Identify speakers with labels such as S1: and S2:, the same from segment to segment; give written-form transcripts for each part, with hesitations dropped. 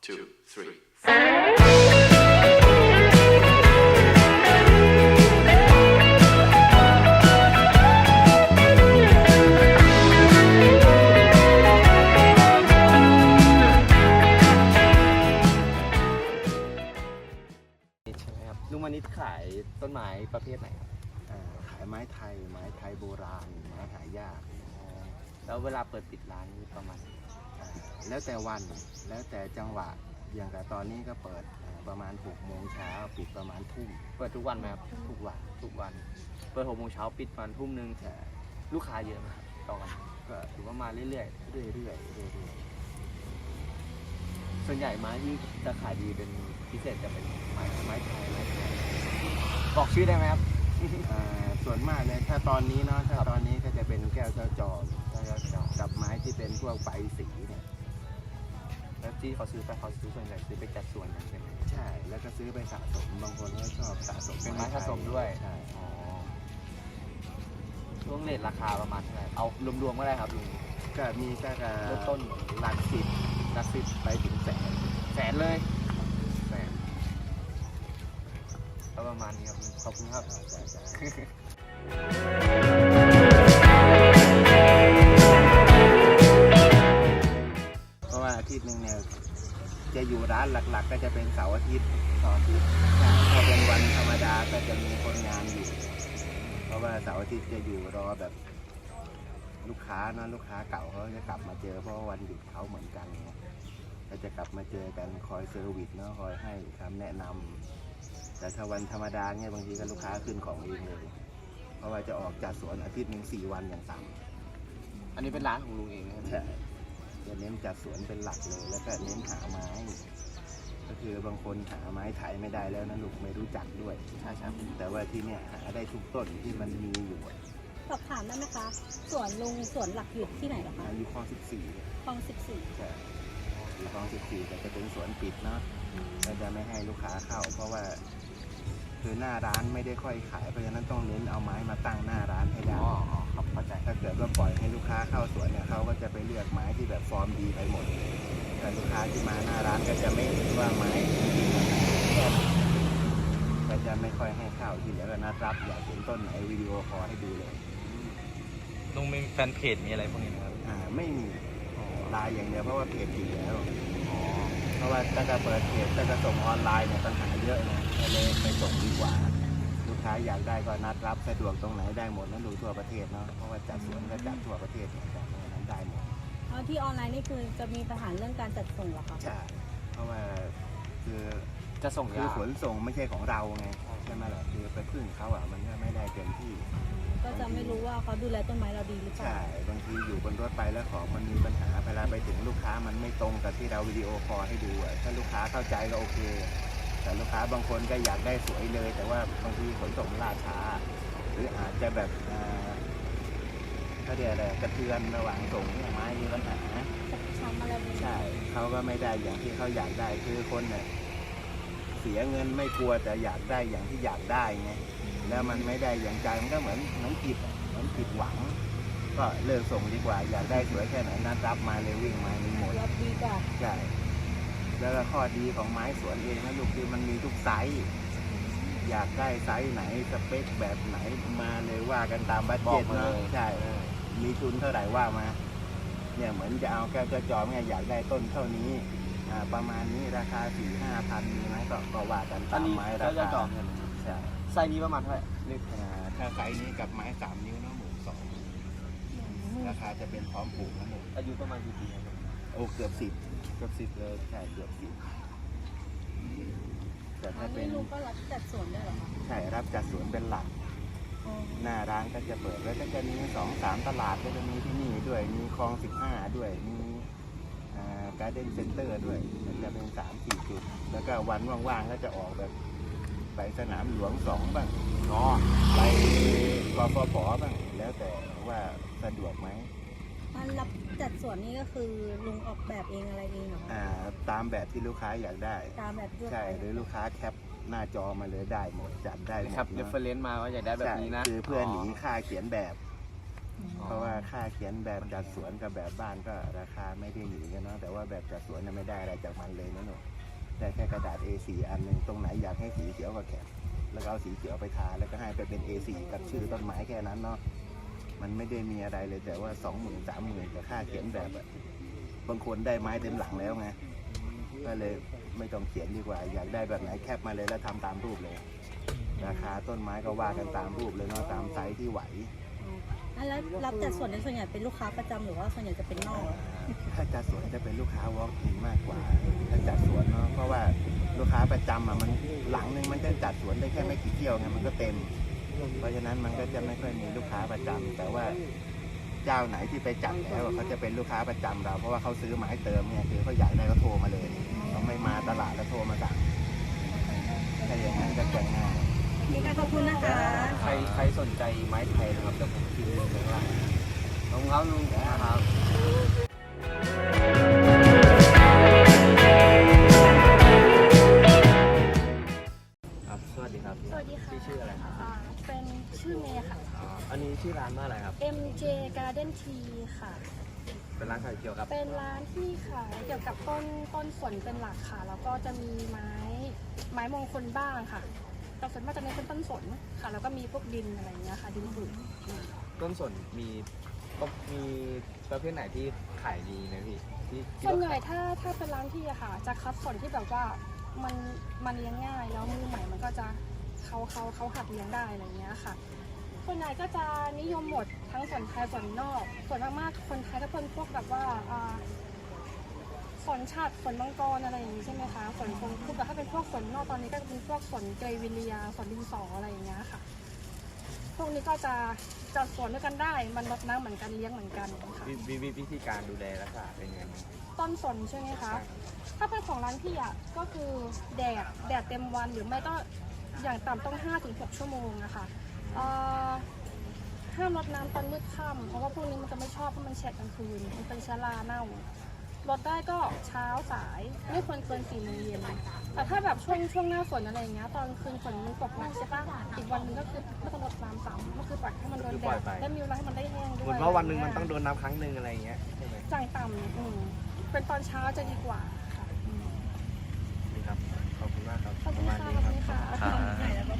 S1: 2, 3,
S2: ใช่ไหมครับลุงมานิดขายต้นไม้ประเภทไหนครับ
S3: ขายไม้ไทยโบราณไม้หายาก
S2: แล้วเวลาเปิดปิดร้านนี่ประมาณ
S3: แล้วแต่วันแล้วแต่จังหวะอย่างแต่ตอนนี้ก็เปิดประมาณ6 โมงเช้าปิดประมาณทุ่ม
S2: เปิดทุกวันไหมครับ
S3: ทุกวัน
S2: ทุกวัน เปิด6 โมงเช้าปิดประมาณทุ่มนึง
S3: แต่
S2: ลูกค้าเยอะไหมครับต่อวันก็ถือว่ามาเรื่อย
S3: เรื่อย
S2: ๆส่วนใหญ่ไม้ที่จะขายดีเป็นพิเศษจะเป็นไม้ไทยบอกชื่อได้ไหมครับ
S3: ๆส่วนมากเลยถ้าตอนนี้เนาะถ้าตอนนี้ก็จะเป็นแก้วเจ้าจอม
S2: แล้วก็
S3: กับไม้ที่เป็นพวกใบสีเนี่ย
S2: แล้วที่เขาซื้อไปเขาซื้อส่วนใหญ่ซื้อไปจัดสวนกันใช่ไหม
S3: ใช่แล้วก็ซื้อไปสะสมบางคนก็ชอบสะสม
S2: เป็นไม้สะสมด้วย
S3: ใช่
S2: อ๋อช่วงเรทราคาประมาณเท่าไหร่เอารวมๆก็ได้ครับลุง
S3: ก็มีก็
S2: เริ่มต้น
S3: หลักสิบไปถึงแสน
S2: แสนเลยแสนก็ประมาณนี้ครับขอบคุณครับ
S3: เพราะว่าอาทิตย์หนึ่งเนี่ยจะอยู่ร้านหลักๆ ก็จะเป็นเสาร์อาทิตย์ถ้าเป็นวันธรรมดาก็จะมีคนงานอยู่ เพราะว่าเสาร์อาทิตย์จะอยู่รอแบบลูกค้านะลูกค้าเก่าเขาจะกลับมาเจอเพราะว่าวันหยุดเขาเหมือนกันไงก็จะกลับมาเจอกันคอยเซอร์วิสเนาะคอยให้คำแนะนำแต่ถ้าวันธรรมดาเนี่ยบางทีก็ลูกค้าขึ้นของเองเลย เพราะว่าจะออกจากสวนอาทิตย์หนึ่ง4 วันอย่างต่ำ
S2: อันนี้เป็นร้านของลุงเองนะครับ
S3: ใช่จะเน้นจัดสวนเป็นหลักเลย แล้วก็เน้นหาไม้ ก็คือบางคนหาไม้ไถไม่ได้แล้วนะลูกไม่รู้จักด้วย
S2: ใช่ครับ
S3: แต่ว่าที่เนี่ยหาได้ทุกต้นที่มันมีอยู่อะ
S4: สอบถามได้ไหมคะสวนลุงสวนหลักอยู่ที่ไหนเหรอคะ
S3: อยู่คลอง14
S4: คลอง
S3: ใช่อยู่คลอง14แต่จะเป็นสวนปิดเนาะก็จะไม่ให้ลูกค้าเข้า เพราะว่าคือหน้าร้านไม่ได้ค่อยขายเพราะฉะนั้นต้องเน้นเอาไม้มาตั้งหน้าร้านให้ได้
S2: อ๋อครับเข้าใจ
S3: ถ้าเกิดว่าปล่อยให้ลูกค้าเข้าสวนเนี่ยเขาก็จะไปเลือกไม้ที่แบบฟอร์มดีไปหมด แต่ลูกค้าที่มาหน้าร้านก็จะไม่เห็นว่าไม้ดีแค่ไหนก็จะไม่ค่อยให้เข้าที่เหลือก็นัดรับอยากเห็นต้นไหนวิดีโอคอลให้ดูเลย
S2: ลุงมีแฟนเพจมีอะไรพวกนี้ไหมครับ
S3: ไม่มีไลน์อย่างเดียวเพราะว่าเพจดีแล้วเพราะว่าถ้าจะเปิดเพจถ้าจะส่งออนไลน์เนี่ยปัญหาเยอะนะก็เลยไปส่งดีกว่า ลูกค้าอยากได้ก็นัดรับสะดวกตรงไหนได้หมดนั้นดูทั่วประเทศเนาะเพราะว่าจัดสวนก็จัดทั่วประเทศเหมือนกันเพราะฉะนั้นได้หมด
S4: แล้วที่ออนไลน์นี่คือจะมีปัญหาเรื่องการจัดส่งเหรอคะ
S3: ใช่เพราะว่าคือ
S2: จะส่ง
S3: คือย
S2: าก
S3: ขนส่งไม่ใช่ของเราไงใช่ไหมล่ะคือไปพึ่งเขาอ่ะมันก็ไม่ได้เต็มที่
S4: ก็จะไม่รู้ว่าเขาดูแลต้นไม้เราดีหรือเปล่า
S3: ใช่บางทีอยู่บนรถไปแล้วของมันมีปัญหาเวลาไปถึงลูกค้ามันไม่ตรงกับที่เราวิดีโอคอลให้ดูอ่ะถ้าลูกค้าเข้าใจก็โอเค แต่ลูกค้าบางคนก็อยากได้สวยเลย แต่ว่าบางทีขนส่งล่าช้า หรืออาจจะแบบเขาเรียกอะไรกระเทือนระหว่างส่งเนี่ยไม้มีปัญหา
S4: ช้ำอะไรแบบนี้
S3: ใช่เขาก็ไม่ได้อย่างที่เขาอยากได้คือคนเนี่ยเสียเงินไม่กลัวแต่อยากได้อย่างที่อยากได้ไงแล้วมันไม่ได้อย่างใจมันก็เหมือนผิดหวัง ก็เลิกส่งดีกว่าอยากได้สวยแค่ไหนนัดรับมาเลยวิ่งมามีหมด
S4: รับดีกว่า
S3: ใช่แล้วก็ข้อดีของไม้สวนเองนะลูกคือมันมีทุกไซส์อยากได้ไซส์ไหนสเปคแบบไหนมาเลยว่ากันตามบัดเจ็ตเนาะใช่มีทุนเท่าไหร่ว่ามาเนี่ยเหมือนจะเอาแก้วจะจอมเนี่ยอยากได้ต้นเท่านี้ประมาณนี้ราคา 4-5 พันมีไหมก็ว่ากันตามไม้รา
S2: จะจ
S3: คา
S2: องเงิน
S3: ใช่
S2: ไซส์นี้ประมาณเท่าไหร่นี่
S3: ถ้าไซส์นี้กับไม้3 นิ้วนะ12,000ราคาจะเป็นพร้อมปลูกนะหนู
S2: อายุประมาณกี่ปีครับ
S3: โอ้เกือบ10เลยใช่เกือบ10แต่
S4: อั
S3: ถ้าน เป็
S4: นี้
S3: น
S4: ลุงก็รับจัดสวนด้วยเหรอคะ
S3: ใช่รับจัดสวนเป็นหลัก
S4: อ๋อ
S3: หน้าร้านก็จะเปิดแล้วก็จะมี2-3 ตลาดก็จะมีที่นี่ด้วยมีคลอง15ด้วยมีการ์เด้นเซ็นเตอร์ด้วยก็จะเป็น3-4 จุดแล้วก็วันว่างๆก็จะออกแบบไปสนามหลวง2บ้างไปกฟผบ้างแล้วแต่ว่าสะดวกไหม
S4: อันรับจัดสวนนี่ก็คือลุงออกแบบเองอะไรเองเหรอคะ
S3: ตามแบบที่ลูกค้าอยากได้
S4: ตามแบบทั่วไป
S3: ใช่หรือลูกค้าแคปหน้าจอมาเลยได้หมดจัดได้หมด
S2: ครับ
S3: เน
S2: เรฟ
S3: อะ
S2: เฟรนซ์มาว่าอยากได้แบบนี้นะ
S3: ใช่คือเพื่อหนีค่าเขียนแบบเพราะว่าค่าเขียนแบบจัดสวนกับแบบบ้านก็ราคาไม่ได้หนีกันเนาะแต่ว่าแบบจัดสวนไม่ได้อะไรจากมันเลยนะหนูได้แค่กระดาษ A4 อันหนึ่งตรงไหนอยากให้สีเขียวก็แข็งแล้วก็เอาสีเขียวไปทาแล้วก็ให้ไปเป็น A4 กับชื่อต้นไม้แค่นั้นเนาะมันไม่ได้มีอะไรเลยแต่ว่า 20,000 30,000กับค่าเขียนแบบอะบางคนได้ไม้เต็มหลังแล้วไงก็เลยไม่ต้องเขียนดีกว่า อยากได้แบบไหนแคปมาเลยแล้วทำตามรูปเลย ราคาต้นไม้ก็ว่ากันตามรูปเลยเนาะตามไซส์ที่ไหว
S4: แล้วรับจัดส่วนในส่วนใหญ่เป็นลูกค้าประจำหรือว่าส่วนใหญ่จะเป็นนอก
S3: ถ้าจัดสวนจะเป็นลูกค้า walk in มากกว่าถ้าจัดสวนเนาะเพราะว่าลูกค้าประจำอ่ะมันหลังนึงมันจะจัดสวนได้แค่ไม่กี่เที่ยวไงมันก็เต็ม เพราะฉะนั้นมันก็จะไม่ค่อยมีลูกค้าประจำแต่ว่าเจ้าไหนที่ไปจัดแล้วเขาจะเป็นลูกค้าประจำเราเพราะว่าเขาซื้อมาให้เติมเนี่ยคือเขาอยากได้เขาโทรมาเลยเขาไม่มาตลาดแล้วโทรมาสั่งถ้าอย่างนั้นก็จะง่าย
S4: นี่ค่ะขอบคุณนะคะ
S2: ใครสนใจไม้ไทยนะครับจะผมทิ้งลิงก์ไว้ข้างล่างขอบคุณครับลุงนะครับครับสวัสดีครับ
S1: สวัสดีค่ะ
S2: พี่ชื่ออะไรครับ
S1: เป็นชื่อเมย์ค่ะ
S2: อันนี้ชื่อร้านว่าอะไรครับ
S1: MJ Garden Tea ค่ะ
S2: เป็นร้านขายเกี่ยวกับ
S1: เป็นร้านที่ขายเกี่ยวกับต้นสนเป็นหลักค่ะ แล้วก็จะมีไม้มงคลบ้างค่ะแต่ส่วนมากจะเน้นเป็นต้นสนค่ะ แล้วก็มีพวกดินอะไรอย่างเงี้ยค่ะ ดินปุ๋ย
S2: ต้นสนมีประเภทไหนที่ขายดีนะพี่ที่
S1: ส่วนใหญ่ถ้าเป็นร้านที่อะค่ะ จะคัดสนที่แบบว่ามันเลี้ยงง่ายแล้วมือใหม่มันก็จะเขาหัดเลี้ยงได้อะไรอย่างเงี้ยค่ะส่วนใหญ่ก็จะนิยมหมดทั้งส่วนไทยส่วนนอก ส่วนมากๆคนไทยก็เป็นพวกแบบว่าสนฉัดสนมังกรอะไรอย่างนี้ใช่ไหมคะสนคงคือแต่ถ้าเป็นพวกสนนอกตอนนี้ก็จะเป็นพวกสนเกรวิเลียสนดินสออะไรอย่างเงี้ยค่ะ พวกนี้ก็จะสวนด้วยกันได้มันรดน้ำเหมือนกันเลี้ยงเหมือนกันค่ะ
S2: วิธีการดูแลรักษาเป็นยังไงบ้าง
S1: ต้นสนใช่ไหมคะ ถ้าเป็นของร้านพี่อ่ะก็คือแดดเต็มวันหรือไม่ก็อย่างต่ำต้อง 5-6 ชั่วโมงนะคะห้ามรดน้ำตอนมืดค่ำเพราะว่าพวกนี้มันจะไม่ชอบเพราะมันแฉะกลางคืนมันเป็นเชื้อราเน่ารดได้ก็เช้าสายไม่ควรเกิน4 โมงเย็นแต่ถ้าแบบช่วงหน้าฝนอะไรอย่างเงี้ยตอนคืนฝนมันตกหนักใช่ปะอีกวันนึงก็คือไม่ต้องรดน้ำซ้ำก็คือปล่อยให้มันโดนแดดและมีเวลาให้มันได้แห้งด้วย
S2: เหมือนว่าวันหนึ่งมันต้องโดนน้ำครั้งหนึ่งอะไรอย่างเงี้ยใช่ไหม
S1: จ่ายต่ำเป็นตอนเช้าจะดีกว่าค่ะ
S2: นี่ครับขอบคุณมากครับ
S1: ขอบคุณค่ะขอบคุณค่ะ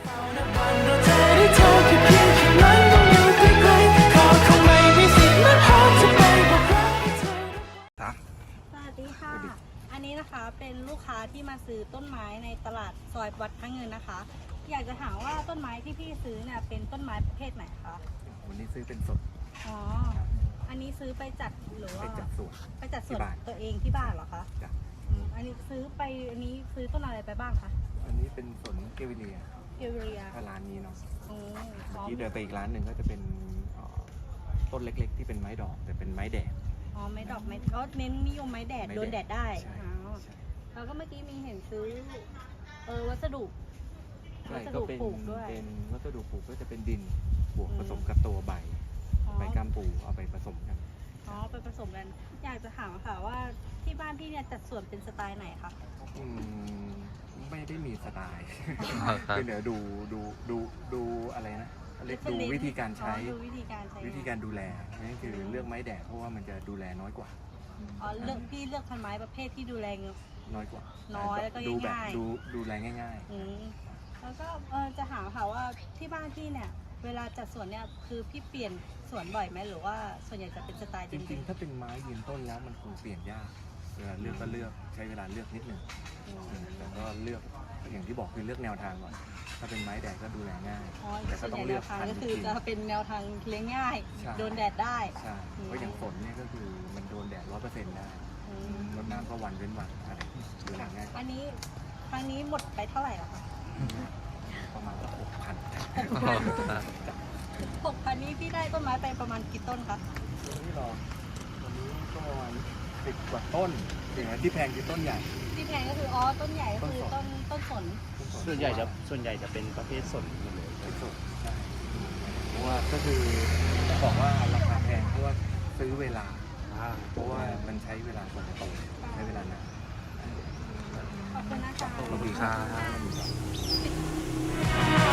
S4: สวัสดีค่ะ อันนี้นะคะเป็นลูกค้าที่มาซื้อต้นไม้ในตลาดซอยวัดพระเงินนะคะ อยากจะถามว่าต้นไม้ที่พี่ซื้อเนี่ยเป็นต้นไม้ประเภทไหนคะ
S2: วันนี้ซื้อเป็นสด
S4: อ๋อ อันนี้ซื้อไปจัดหรือว่า
S2: ไปจัดสวน
S4: ไปจัดสวน
S2: ที่บ้าน
S4: ตัวเองที่บ้านเหรอคะ
S2: จ้ะ
S4: อันนี้ซื้อต้นอะไรไปบ้างคะ
S2: อันนี้เป็นสวนเกวิเลีย
S4: เกลเรีย
S2: ถ้าร้านนี้เนาะ
S4: อ๋อ
S2: ที่เดินไปอีกร้านหนึ่งก็จะเป็นต้นเล็กๆ ที่เป็นไม้ดอกแต่เป็นไม้แดด
S4: อ๋อไม้ดอกไม้ก็เน้นนิยมไม้แดด
S2: ไม้แดด
S4: โดนแดดได้
S2: ใช่
S4: อ๋อ
S2: ใช่
S4: แล้วก็เมื่อกี้มีเห็นซื้อวัสดุ
S2: ใช่
S4: วัส
S2: ก็
S4: ดุ
S2: เป็น
S4: ปลูกด้วย
S2: เป็นวัสดุปลูกก็จะเป็นดินบวก
S4: อืม
S2: ผสมกับตัวใบ
S4: อ๋อ
S2: ใบก้ามปูเอาไปผสมกัน
S4: อ๋อไปผสมกัน อยากจะถามค่ะว่าที่บ้านพี่เนี่ยจัดสวนเป็นสไตล์ไหนคะ
S2: อืมไม่ได้มีสไตล์
S5: ครับ
S2: คือเดี๋ยวดูอะไรนะเรียกดู
S4: Reference
S2: วิธีการใช้
S4: ดูวิธีการใช้
S2: วิธีการดูแลนั่นคือเลือกไม้แดดเพราะว่ามันจะดูแลน้อยกว่า
S4: อ๋อพี่เลือกพันไม้ประเภทที่ดูแลเงอะ
S2: น้อยกว่า
S4: น้อยแล้วก็
S2: ดูแบบ
S4: ง่ายๆ
S2: ดูแลง่าย
S4: อืมแล้วก็จะถามค่ะว่าที่บ้านพี่เนี่ย เวลาจัดสวนเนี่ยคือพี่เปลี่ยนสวนบ่อยไหมหรือว่าส่วนใหญ่จะเป็นสไตล์
S2: ๆ จ
S4: เดิ
S2: ริง
S4: ม
S2: ๆ ถ้าเป็นไม้ยืนต้นแล้วมันคงเปลี่ยนยากเวลาเลือกก็เลือกใช้เวลาเลือกนิดหนึ่ง
S4: ๆอืม
S2: แต่ก็เลือกอย่างที่บอกคือเลือกแนวทางก่อนถ้าเป็นไม้แดดก็ดูแลง่าย
S4: อ๋อ
S2: แต่ก็
S4: ส่วน
S2: ต้
S4: ให
S2: อง
S4: ญ่
S2: เลื
S4: แน
S2: อก
S4: วทาง
S2: พัน
S4: ก็
S2: ธุ์
S4: คือ
S2: จริง
S4: จะเป็นแนวทางเลี้ยงง่าย
S2: ใช่
S4: โดนแดดได้
S2: ใช่เพราะอย่างฝนเนี่ยก็คือมันโดนแดด100%ได้
S4: อืม
S2: รดน้ำก็วันเว้นวันอะไรดูแลง่ายกว่า
S4: อันนี้ครั้งนี้หมดไปเท่าไหร่แล้วคะ
S2: ประมาณ6,000
S4: 6,000นี้พี่ได้ต้นไม้ไปประมาณกี่ต้นคะ
S2: วันนี้ก็ประมาณ10 กว่าต้นอย่างที่แพงคือต้นใหญ่
S4: ที่แพงก็คือต้นใหญ่ก็คือต้นสน
S3: ส่วนใหญ่จะเป็นประเภทสนหมดเลย
S2: เป็นสดใช่เพราะว่าก็คือต้องบอกว่าราคาแพงเพราะว่าซื้อเวลา เพราะว่ามันใช้เวลากว่าจะโตใช้เวลานาน
S4: ขอบคุณนะคะ
S5: ขอบคุณครับ